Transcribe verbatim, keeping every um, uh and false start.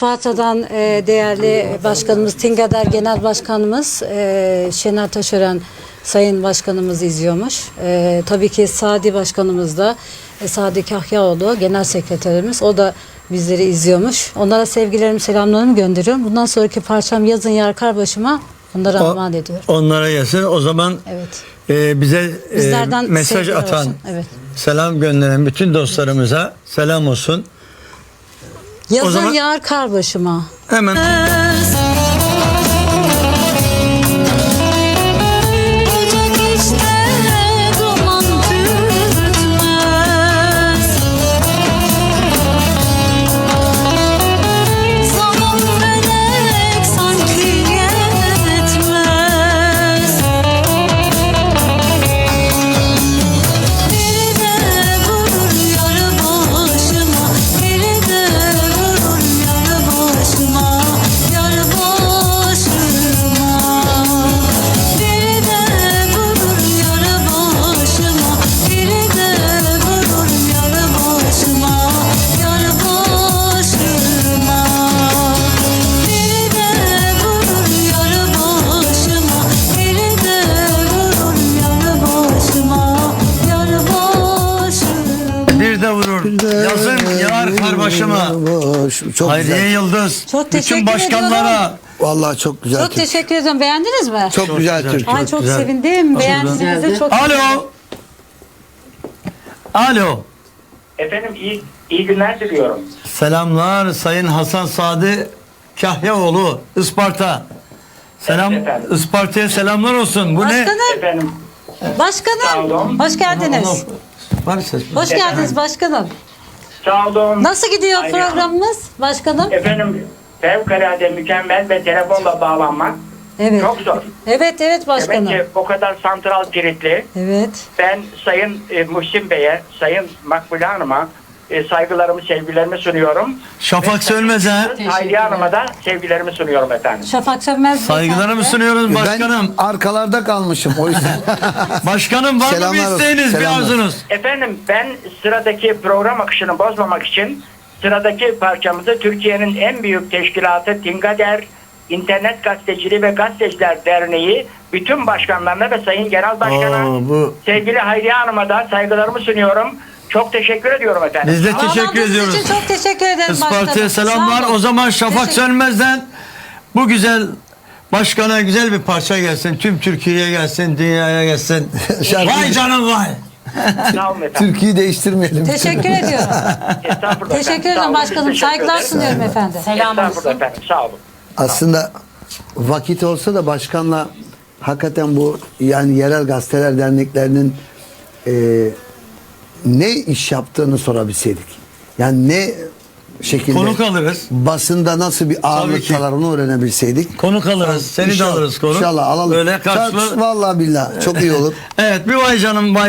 Isparta'dan e, değerli başkanımız, Tingader Genel Başkanımız e, Şener Taşören Sayın Başkanımız izliyormuş. E, tabii ki Sadi Başkanımız da e, Sadi Kahyaoğlu Genel Sekreterimiz. O da bizleri izliyormuş. Onlara sevgilerimi, selamlarımı gönderiyorum. Bundan sonraki parçam Yazın Yar Kar Başıma. Onlara armağan ediyorum. Onlara gelsin. O zaman evet. e, bize e, mesaj atan, evet. selam gönderen bütün dostlarımıza selam olsun. Yazın o zaman yağar kar başıma. Hemen. Yazın yağar kar başıma. Çok Hayriye güzel. Yıldız. Çok teşekkür bütün başkanlara. ediyorum. Vallahi çok güzel. Çok Türk. teşekkür ederim. Beğendiniz mi? Çok, Çok güzel, güzel. Türk. Ay Çok çok güzel. sevindim. Beğendiğinizde çok Alo. Alo. Efendim iyi, iyi günler diliyorum. Selamlar Sayın Hasan Sadi Kahyaoğlu Isparta. Selam Evet efendim. Isparta'ya selamlar olsun. Bu Başkanım, ne? Efendim Sağ başkanım. olun. Hoş geldiniz. Var ses. Hoş geldiniz başkanım. sağ olun. Nasıl gidiyor Aynen. programımız başkanım? Efendim fevkalade mükemmel ve telefonla bağlanmak Evet. çok zor. Evet evet başkanım. Demek ki o kadar santral kilitli. Evet. Ben Sayın e, Muhsin Bey'e, Sayın Makbule Hanım'a e, saygılarımı, sevgilerimi sunuyorum. Şafak Sönmez'e Hayriye Hanım'a da sevgilerimi sunuyorum efendim. Şafak Sönmez. saygılarımı beyefendi. sunuyoruz başkanım. Ben arkalarda kalmışım o yüzden. Başkanım var mı bir Selamlar olsun, isteğiniz, bir selamlar. arzunuz? Efendim ben sıradaki program akışını bozmamak için sıradaki parçamızı Türkiye'nin en büyük teşkilatı Tingader İnternet Gazeteciliği ve Gazeteciler Derneği bütün başkanlarına ve Sayın Genel Başkan'a, Oo, bu- sevgili Hayriye Hanım'a da saygılarımı sunuyorum. Çok teşekkür ediyorum efendim. Biz de teşekkür Bağlandığınız ediyoruz. için çok teşekkür ederim Isparta'ya başkanım. selamlar. Sağ olun. O zaman Şafak Teşekkür- Sönmez'den bu güzel başkana güzel bir parça gelsin. Tüm Türkiye'ye gelsin, dünyaya gelsin. Şarkı- Vay canım vay. Sağ olun efendim. Türkiye'yi değiştirmeyelim. Teşekkür ediyorum. Estağfurullah Teşekkür efendim. Sağ ederim olun. başkanım. Biz teşekkür Saygılar ederiz. sunuyorum efendim. Estağfurullah efendim. Sağ olun. Aslında vakit olsa da başkanla hakikaten bu yani yerel gazeteler derneklerinin e, ne iş yaptığını sorabilseydik. Yani ne şekilde Konuk alırız. basında nasıl bir ki. ağırlıktalar onu öğrenebilseydik. Konuk alırız. Seni de İnşallah- alırız konuk. İnşallah alalım. Böyle karşılığı. Vallahi billahi çok iyi olur. Evet bir vay canım vay.